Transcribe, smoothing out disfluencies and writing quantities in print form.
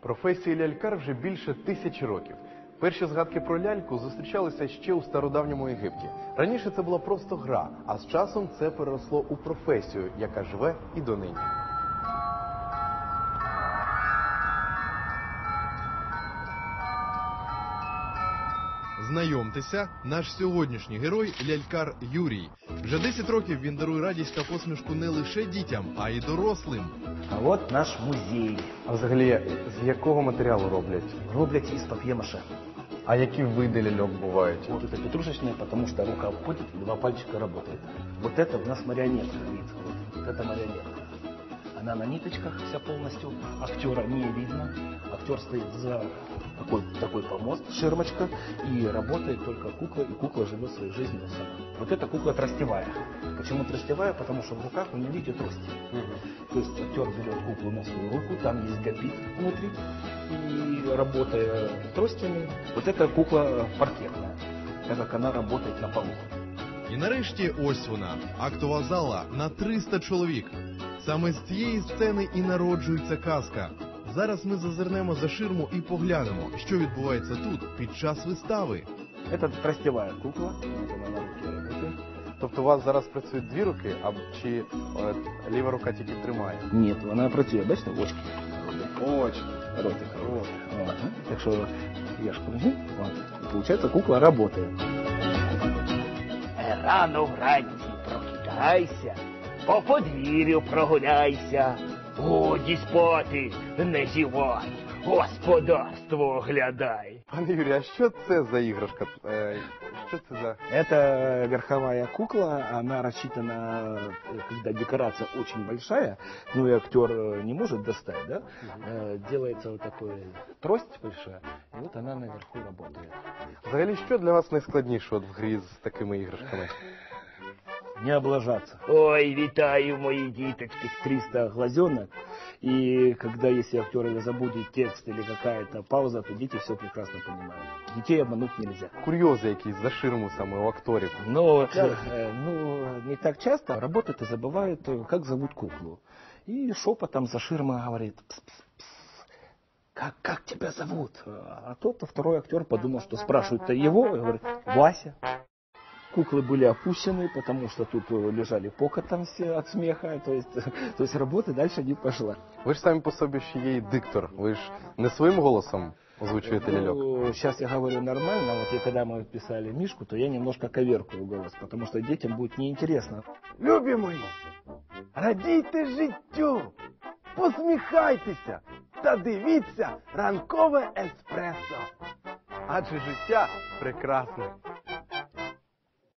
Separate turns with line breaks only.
Професії лялькар вже більше 1000 років. Перші згадки про ляльку зустрічалися ще у стародавньому Єгипті. Раніше це була просто гра, а з часом це переросло у професію, яка живе і донині. Знайомтеся, наш сьогоднішній герой – лялькар Юрій. Вже 10 років він дарує радість та посмішку не лише дітям, а й дорослим.
А от наш музей.
А взагалі, з якого матеріалу роблять?
Роблять із пап'є-маше.
А які види ляльок бувають?
Вот это петрушечная, потому что рука обходит, и 2 пальчика работает. Вот это у нас марионетка, видите, вот это марионетка. Она на ниточках вся полностью, актера не видно. Актер стоит за такой помост, ширмочка, и работает только кукла, и кукла живет своей жизнью сама. Вот эта кукла тростевая. Почему тростевая? Потому что в руках у нее, видите, трости. То есть актер берет куклу на свою руку, там есть габит внутри, и работая тростями, вот эта кукла паркетная, так как она работает на полу.
І нарешті ось вона, актова зала на 300 чоловік. Саме з цієї сцени і народжується казка. Зараз ми зазирнемо за ширму і поглянемо, що відбувається тут під час вистави.
Це тростєва кукла, вона на руці працює.
Тобто у вас зараз працюють 2 руки, чи ліва рука тільки тримає?
Ні, вона працює, бачите, очки.
Очі.
Ротик. Так що я ж кажу, получається, кукла працює.
Рано вранці прокидайся, по подвір'ю прогуляйся. Годі спати, не зівай, господарство оглядай.
Пане Юрій, а що це за іграшка? Що це за...
Это верховая кукла, она рассчитана, когда декорация очень большая, ну и актер не может достать, да? Делается вот такой трость большая, и вот она наверху работает.
Взагалі, що для вас найскладніше в грі з такими іграшками?
Не облажаться.
Ой, вітаю, мої
Діточки, 300 глазенок, и когда если актер забудет текст или какая-то пауза, то дети все прекрасно понимают. Детей обмануть нельзя.
Курйози якісь за ширму саме у акторів.
Но не так часто работают и забывают, как зовут куклу. И шепотом за ширмой говорит: пс-пс-пс, как тебя зовут? А тот второй актер подумал, что спрашивают-то его, и говорит: Вася. Куклы были опущены, потому что тут лежали покотом все от смеха, то есть работы дальше не пошла.
Ви ж самі по собі ще є і диктор, ви ж не своїм голосом озвучуєте ляльок?
Сейчас я говорю нормально, вот и когда мы писали Мишку, то я немножко коверкаю голос, потому что детям будет неинтересно.
Любі мої, радійте життю, посміхайтеся та дивіться ранкове еспресо. Адже життя прекрасне.